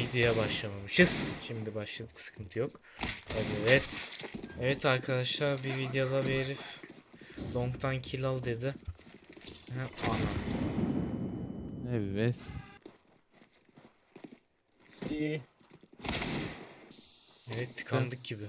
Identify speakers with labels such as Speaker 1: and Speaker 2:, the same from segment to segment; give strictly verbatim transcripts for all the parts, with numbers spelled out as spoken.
Speaker 1: videoya başlamamışız. Şimdi başladık, sıkıntı yok. Evet. Evet arkadaşlar, bir videoda bir herif long'tan kill al dedi. Ha, ana.
Speaker 2: Evet.
Speaker 3: Sti.
Speaker 1: Evet, tıkandık gibi.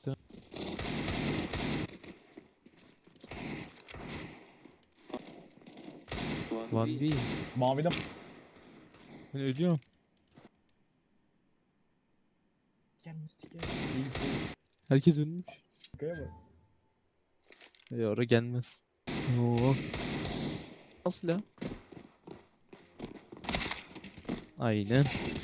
Speaker 2: Van değil.
Speaker 3: Mavide
Speaker 2: Ben ölüyorum.
Speaker 3: gel Musti gel.
Speaker 2: Herkes ölmüş.
Speaker 3: Kaya bak.
Speaker 2: E oraya gelmez. Oo. Nasıl ya? Aynen.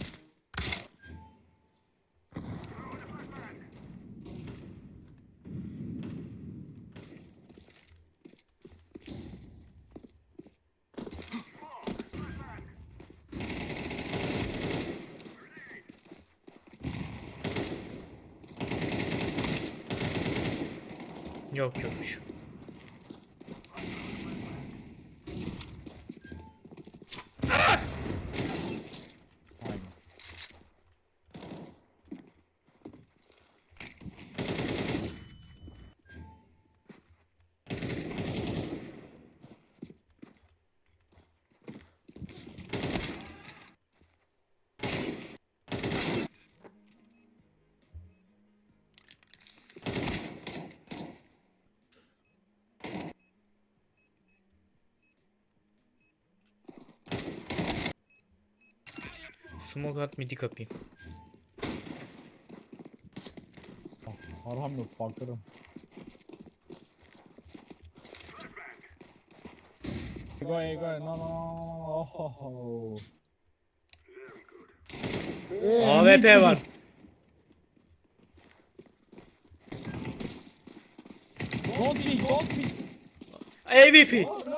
Speaker 1: Yok yokmuş.
Speaker 3: Aynen.
Speaker 1: Smoke at, midi kapayım.
Speaker 3: Arham yok bakarım. Go go no no no. Oh.
Speaker 1: A W P var.
Speaker 3: Don't be, don't be.
Speaker 1: A W P.
Speaker 3: Oh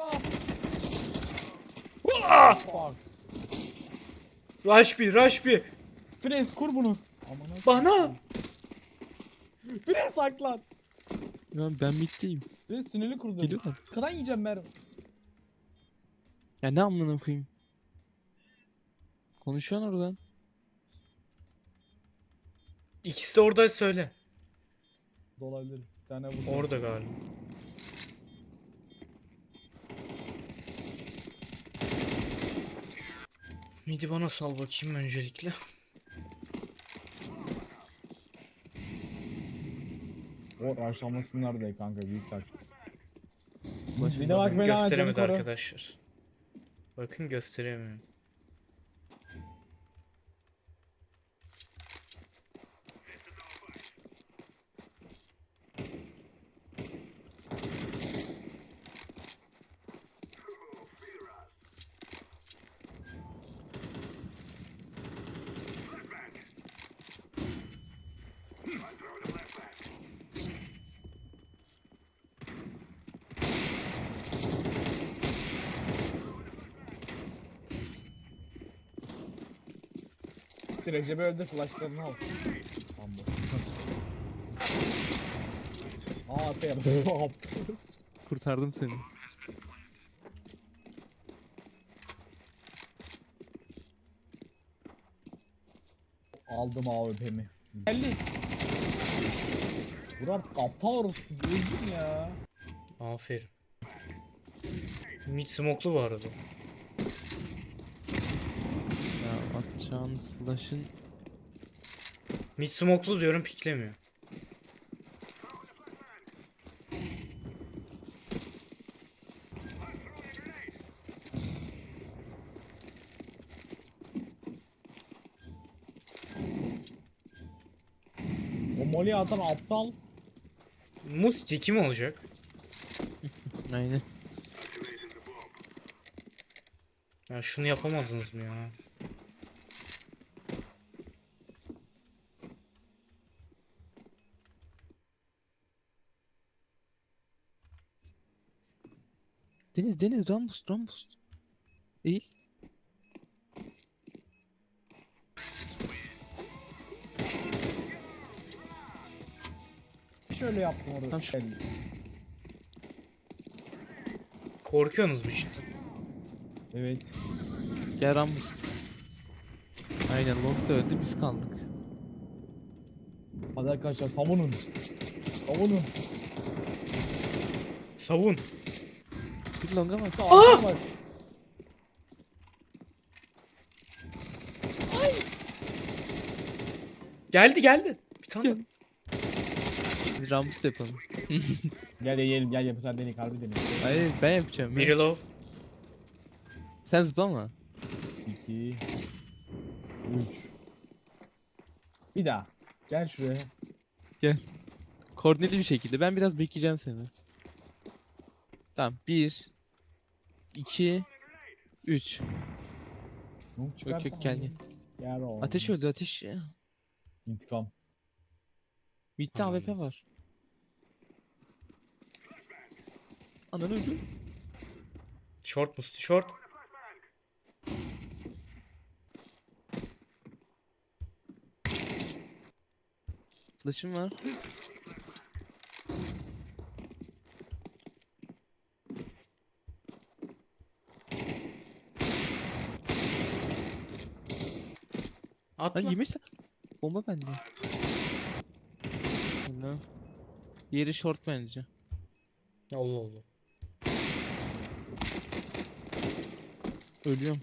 Speaker 1: Ah!
Speaker 3: fuck.
Speaker 1: Rush bir, rush bir.
Speaker 3: Frez kur bunu. Aman
Speaker 1: Bana.
Speaker 3: Frez saklan.
Speaker 2: Ya ben middeyim.
Speaker 3: Frez tüneli kurdu.
Speaker 2: Geliyorlar.
Speaker 3: Arkadan yiyeceğim Merve.
Speaker 2: Ya ne amına koyayım? Konuşuyorsun oradan.
Speaker 1: İkisi de orada, söyle.
Speaker 3: Dolabilir. Bir tane burada.
Speaker 1: Orada galiba. Midi bana sal bakayım öncelikle.
Speaker 3: O raşlamasınlar diye kanka büyük tak.
Speaker 2: Başım
Speaker 3: Bir de bak
Speaker 1: Bakın
Speaker 3: beni
Speaker 1: gösteremedi
Speaker 3: koru.
Speaker 1: arkadaşlar. Bakın gösteremiyorum.
Speaker 3: Recep'i öldür flashlarını al. Tamam bu. Aa P yap.
Speaker 2: Kurtardım seni.
Speaker 3: Aldım A W P'mi. elli. Vur artık aptal orospu. Öldüm ya.
Speaker 1: Aferin. Mid smoke'lu bu arada.
Speaker 2: Ya atacağın flash'ın
Speaker 1: Mid smoke'lu diyorum, piklemiyor.
Speaker 3: O molly atan aptal.
Speaker 1: Musti kim olacak?
Speaker 2: aynen.
Speaker 1: Ya şunu yapamazsınız mı ya?
Speaker 2: Deniz Deniz Rambus Rambus. Eğil.
Speaker 3: Şöyle yaptım orada.
Speaker 2: Tamam, şu-
Speaker 3: elli.
Speaker 1: Korkuyorsunuz mu işte?
Speaker 3: Evet.
Speaker 2: Gel Rambus. Aynen long da öldü biz kaldık.
Speaker 3: Hadi arkadaşlar savunun. Savunun.
Speaker 1: Savun.
Speaker 2: Bir longa bak.
Speaker 3: Aa! Bak.
Speaker 1: Geldi geldi. Bir tane daha.
Speaker 2: Bir Rambus yapalım.
Speaker 3: Gel yiyelim gel yapı sen denek harbi denek.
Speaker 2: Hayır ben yapacağım. ben
Speaker 1: Biri
Speaker 2: yapacağım.
Speaker 1: low.
Speaker 2: Sen zıplama.
Speaker 3: iki. Üç. Bir daha. Gel şuraya.
Speaker 2: Koordineli bir şekilde. Ben biraz bekleyeceğim seni. Tamam. Bir. iki. Üç.
Speaker 3: Yok
Speaker 2: yok, gel, gel.
Speaker 3: Gel oğlum.
Speaker 2: Ateş öldü ateş.
Speaker 3: İntikam.
Speaker 2: Bitti A W P
Speaker 1: Anladım.
Speaker 2: var. Ananı öldü.
Speaker 1: Short musti short.
Speaker 2: Flash'ım var. Lan
Speaker 1: Atla.
Speaker 2: yemişsen. Bomba bende. Ne? Yeri short bence.
Speaker 1: Allah Allah.
Speaker 2: Ölüyorum.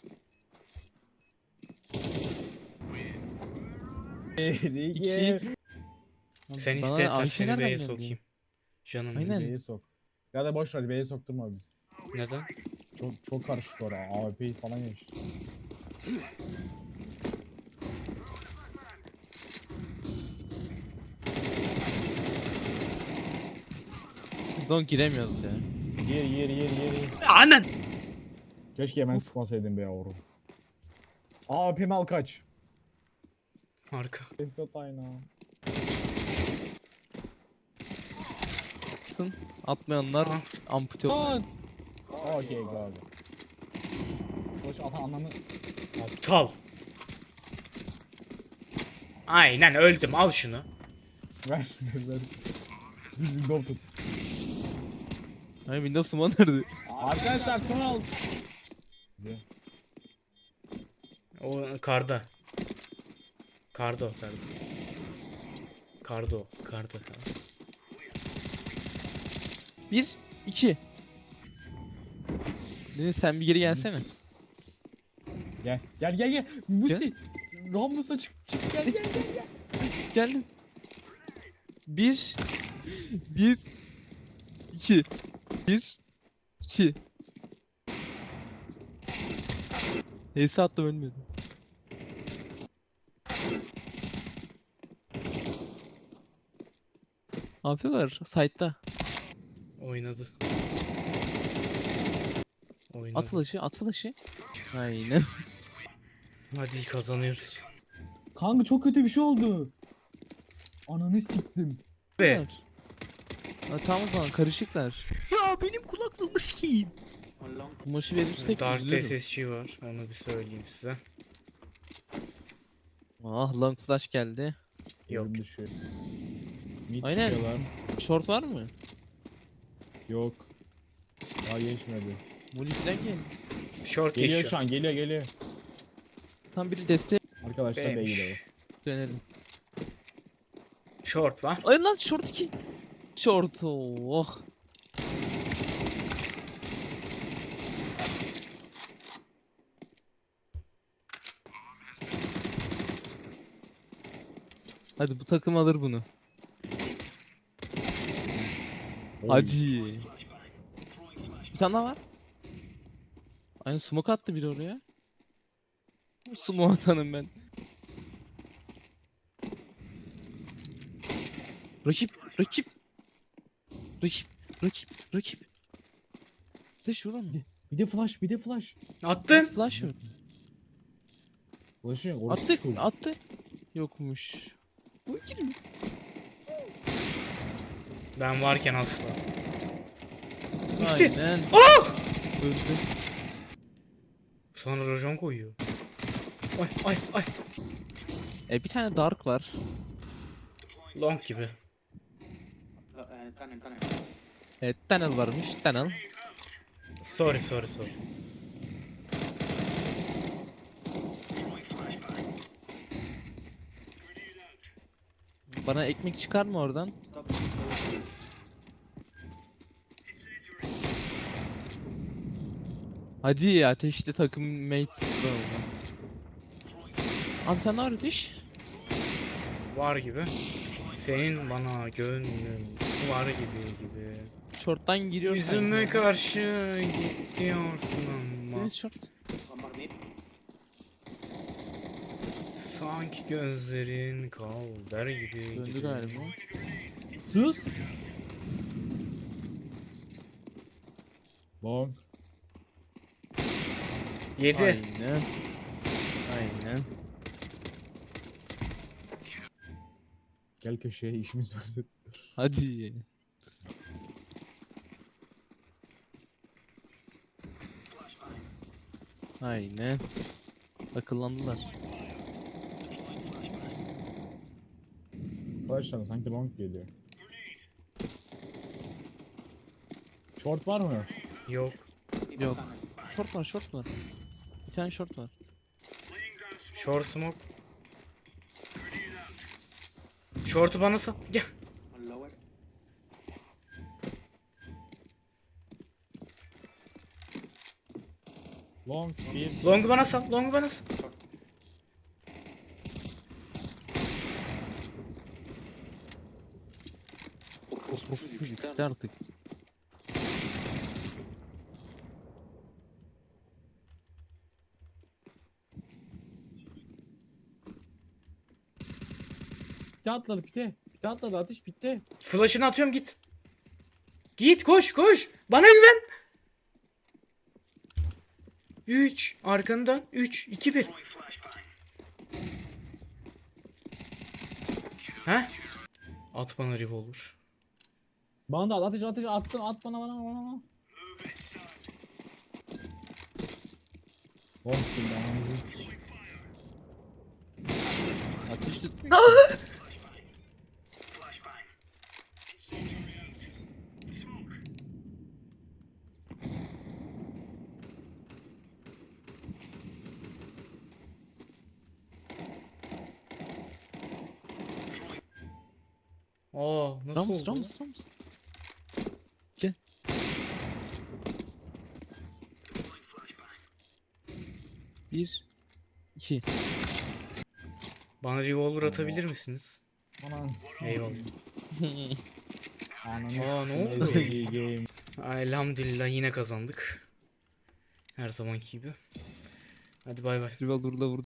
Speaker 3: İki.
Speaker 2: İki.
Speaker 1: Sen
Speaker 2: Bana
Speaker 1: istersen
Speaker 2: Ayşe
Speaker 1: seni
Speaker 2: nereden
Speaker 1: B'ye
Speaker 2: geldi?
Speaker 1: sokayım. Canım
Speaker 2: Aynen.
Speaker 1: benim.
Speaker 3: B'ye sok. Ya da boş ver B'ye sokturma biz.
Speaker 1: Neden?
Speaker 3: Çok çok karışık orada. A W P falan yemiş.
Speaker 2: Zon giremiyoruz ya.
Speaker 3: Yer yer yer yer yer.
Speaker 1: Anan.
Speaker 3: Keşke hemen sıkmasaydın be yavrum. A W P'mi al kaç.
Speaker 1: Harika.
Speaker 3: Esat ayna.
Speaker 2: Sın. Atmayanlar
Speaker 1: Ah.
Speaker 2: ampute olur.
Speaker 3: Lan. Okey go. Boş atan anlamı.
Speaker 1: Aptal. Aynen öldüm. Al şunu.
Speaker 3: Ver ver ver. Bir window tut.
Speaker 2: Ay Windows Summon nerede?
Speaker 3: Arkadaşlar son al. Bize.
Speaker 1: O karda. Kardo. Kardo. Kardo. Kardo. Kardo.
Speaker 2: Bir. iki. Deniz sen bir geri gelsene.
Speaker 3: Gel gel gel gel. Musti. Rambus'a çık çık gel gel gel gel.
Speaker 2: Geldim. Bir. Bir. iki. Bir. iki. Heyse attım ölmedim. Abi var. Site'da.
Speaker 1: Oynadı. Oynadı.
Speaker 2: At flash'ı. At flash'ı. Aynen.
Speaker 1: Hadi kazanıyoruz.
Speaker 3: Kanka çok kötü bir şey oldu. Ananı siktim.
Speaker 1: Be.
Speaker 2: Var. Ha, tamam o zaman karışıklar.
Speaker 1: Ya benim kulaklığımı sikeyim.
Speaker 2: Kumaşı verirsek
Speaker 1: Dark
Speaker 2: üzülürüm.
Speaker 1: S S G var. Onu bir söyleyeyim size.
Speaker 2: Ah long flash geldi.
Speaker 1: Yok.
Speaker 3: Elim düşüyor. Mid
Speaker 2: Aynen.
Speaker 3: çıkıyorlar.
Speaker 2: Short var mı?
Speaker 3: Yok. Daha geçmedi.
Speaker 2: Molly falan geldi.
Speaker 1: Short
Speaker 3: Geliyor
Speaker 1: geçiyor.
Speaker 3: şu an geliyor geliyor.
Speaker 2: Tam biri desteğe
Speaker 3: Arkadaşlar B'ye
Speaker 1: B'ymiş.
Speaker 3: gidiyor.
Speaker 2: dönelim.
Speaker 1: Short var.
Speaker 2: Ay lan short iki. Short oh. Hadi bu takım alır bunu.
Speaker 3: Oy.
Speaker 2: Hadi. Bir tane daha var. Aynen smoke attı biri oraya. Smoke atanım ben. Rakip, rakip. Rakip, rakip, rakip. De şuradan mı?
Speaker 3: Bir de flash bir de flash.
Speaker 1: Attın.
Speaker 2: Flash mı?
Speaker 3: Flash'ı yok. orası
Speaker 2: Attı,
Speaker 3: şu.
Speaker 2: attı. Yokmuş. Bu ikili mi?
Speaker 1: Ben varken asla. İşte.
Speaker 2: Aynen. Öldü.
Speaker 1: Sonra rojon koyuyor. Ay ay ay.
Speaker 2: E bir tane dark var.
Speaker 1: Long gibi.
Speaker 2: Evet tunnel varmış. Tunnel.
Speaker 1: Sorry sorry sorry.
Speaker 2: Bana ekmek çıkar mı oradan? Hadi ya, ateşte takım mate da oldu. Abi sen ne var Ateş?
Speaker 1: Var gibi. Senin bana gönlün var gibi gibi.
Speaker 2: Short'tan giriyorsun.
Speaker 1: Yüzüme karşı gidiyorsun ama
Speaker 2: Deniz short.
Speaker 1: sanki gözlerin kal der gibi
Speaker 2: Döndü
Speaker 1: gibi.
Speaker 2: galiba.
Speaker 3: Sus. Long.
Speaker 1: Yedi.
Speaker 2: Aynen. Aynen.
Speaker 3: Gel köşeye işimiz var.
Speaker 2: Hadi. Aynen. Akıllandılar.
Speaker 3: Arkadaşlar sanki long geliyor. Short var mı?
Speaker 1: Yok.
Speaker 2: Yok. Short var, short var. Bir tane short var.
Speaker 1: Short smoke. Short'u bana sal. Gel.
Speaker 3: Long bir.
Speaker 1: Long'u bana sal. Long'u bana sal.
Speaker 2: Bitti artık.
Speaker 3: Pite atladı pite. Pite atladı atış bitti.
Speaker 1: Flash'ını atıyorum git. Git koş koş. Bana güven. üç. Arkanı dön. üç. iki. bir. He? At bana revolver.
Speaker 3: Bana da at ateş ateş attım at bana bana bana bana. Long şimdi anamızı sıç.
Speaker 2: Ateş tut.
Speaker 1: Aa nasıl
Speaker 2: Rams,
Speaker 1: oldu?
Speaker 2: Rams, Rams. Gel. Bir. iki.
Speaker 1: Bana revolver atabilir misiniz?
Speaker 3: Bana.
Speaker 1: Eyvallah.
Speaker 3: Ananı
Speaker 1: Aa, ne
Speaker 3: sıçayım.
Speaker 1: oldu?
Speaker 3: İyi game.
Speaker 1: Elhamdülillah yine kazandık. Her zamanki gibi. Hadi bay bay.
Speaker 2: Revolver'la vurdu.